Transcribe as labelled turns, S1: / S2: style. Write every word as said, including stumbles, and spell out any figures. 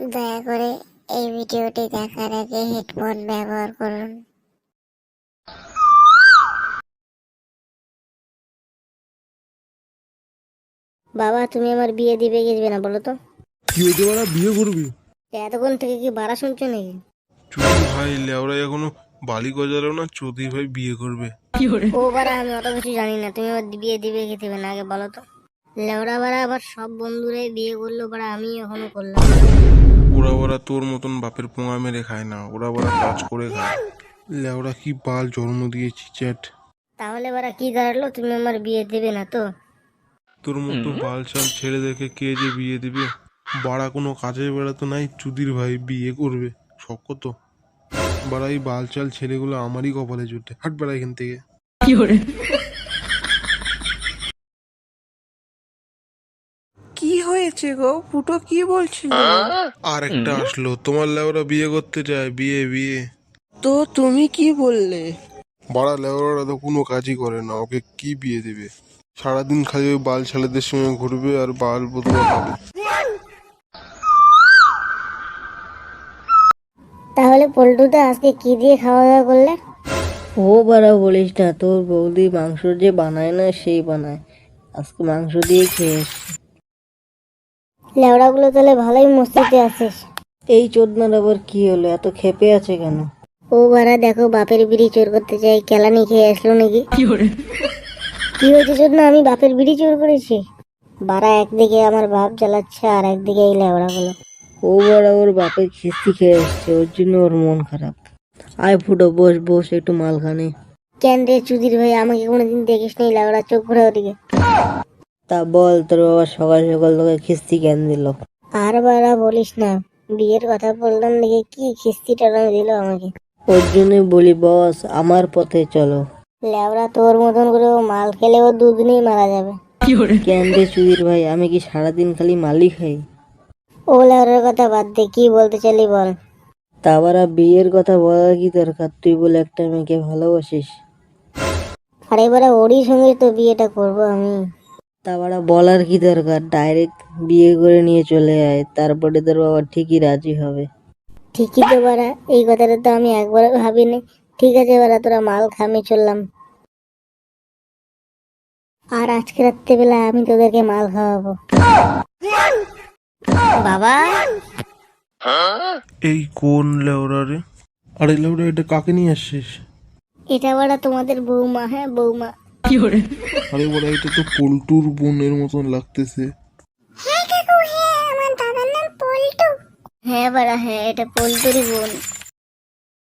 S1: দয়া করে এই ভিডিওটি দেখার আগে হেডফোন ব্যবহার করুন। বাবা, তুমি আমার বিয়ে দিবে গেছবে না বলো তো?
S2: কি হয়েছে বাড়া, বিয়ে করবি?
S1: এতক্ষণ থেকে কি বাড়া শুনছো নাকি?
S2: চুদি ভাই লেওরা এখনো বালি গজালো না, চুদি ভাই বিয়ে করবে।
S1: ও বাড়া, আমি অত কিছু জানি না। তুমি আমার বিয়ে দিবে কি দিবে না আগে বলো তো। লেওড়া বাড়া আবার সব বন্ধুরাই বিয়ে করলো, বাড়া আমি এখনো করলাম।
S2: ওরা ওরা তোর মতন বাপের পোঙা মেরে খায় না, ওরা ওরা কাজ করে খায়। লেওরা কি বাল জন্ম দিয়েছি চ্যাট।
S1: তাহলে বাড়া কি দাঁড়ালো, তুমি আমার বিয়ে দেবে না তো?
S2: তোর মতো বাল চাল ছেড়ে দেখে কে যে বিয়ে দিবে? বাড়া কোনো কাজে বেড়াতো নাই, চুদির ভাই বিয়ে করবে শখ কত। বাড়া এই বাল চাল ছেলেগুলো আমারই কপালে জুটে। হাট বেড়া এখান থেকে।
S3: কি হয়েছে গো ফুটো, কি বলছিল?
S2: আর একটা আসলো, তোমার লেওরা বিয়ে করতে চায়, বিয়ে বিয়ে।
S3: তো তুমি কি বললে?
S2: বাড়া লেওরা তো কোনো কাজই করে না, ওকে কি বিয়ে দেবে? সারাদিন খালি ওই বাল ছেলেদের সঙ্গে ঘুরবে আর বাল বদলা খাবে।
S1: তাহলে পল্টুদা আজকে কি দিয়ে খাওয়া দাওয়া করলে?
S4: ও বাড়া বলিস না, তোর বৌদি মাংস যে বানায় না সেই বানায়। আজকে মাংস দিয়ে খেয়ে এসছি।
S1: লেওড়া গুলো তাহলে ভালোই মস্তিতে আছিস।
S4: এই চোদনার আবার কি হলো, এত খেপে আছে কেন?
S1: ও বাড়া দেখো, বাপের বিড়ি চোর করতে চাই, কেলানি খেয়ে আসলো নাকি? কি হয়েছে চোদনা, আমি বাপের বিড়ি চোর করেছি? বাড়া একদিকে আমার বাপ জ্বালাচ্ছে আর একদিকে এই লেওড়া গুলো।
S4: ও বাড়া ওর বাপের খিস্তি খেয়ে এসছে, ওর জন্য ওর মন খারাপ। আয় ফুটো, বস বস, একটু মাল খানে।
S1: কেন রে চুদির ভাই, আমাকে কোনোদিন দেখিস নি লেওড়া, চোখ ঘোরা ওদিকে।
S4: তা বল, তোর বাবা সকাল সকাল তোকে খিস্তি কেন দিল?
S1: আর বাড়া বলিস না, বিয়ের কথা বললাম দেখে কি খিস্তি টানানো দিল আমাকে।
S4: ওর জন্যই বলি বস, আমার পথে চলো।
S1: লেওড়া তোর মতন করে ও মাল খেলে ও দুদিনেই মারা যাবে।
S4: কেন রে চুদির ভাই, আমি কি সারাদিন খালি মালই খাই?
S1: ও লেওড়ার কথা বাদ দে, কি বলতে চাইলি বল।
S4: তা বারা বিয়ের কথা বলার কি দরকার? তুই বলে একটা মেয়েকে ভালোবাসিস।
S1: আর এবারে ওরই সঙ্গে তো বিয়েটা করব আমি।
S4: তা বারা বলার কি দরকার, ডাইরেক্ট বিয়ে করে নিয়ে চলে আয়, তারপরে তোর বাবা ঠিকই রাজি হবে।
S1: ঠিকই তো বাড়া, এই কথাটা তো আমি একবারও ভাবিনি। ঠিক আছে বাড়া, তোরা মাল খা, আমি চললাম। আর আজকে রাত্রেবেলা আমি তোদেরকে মাল খাওয়াবো। বাবা,
S2: এই কোন লেওরা রে? আরে লেওরা, এটা কাকে নিয়ে আসছিস?
S1: এটা বাড়া তোমাদের বৌমা। হ্যাঁ বৌমা।
S2: আরে বড়া, এটা তো পল্টুর বোনের মতন লাগতেছে।
S1: হ্যাঁ বাড়া, হ্যাঁ এটা পল্টুরই বোন।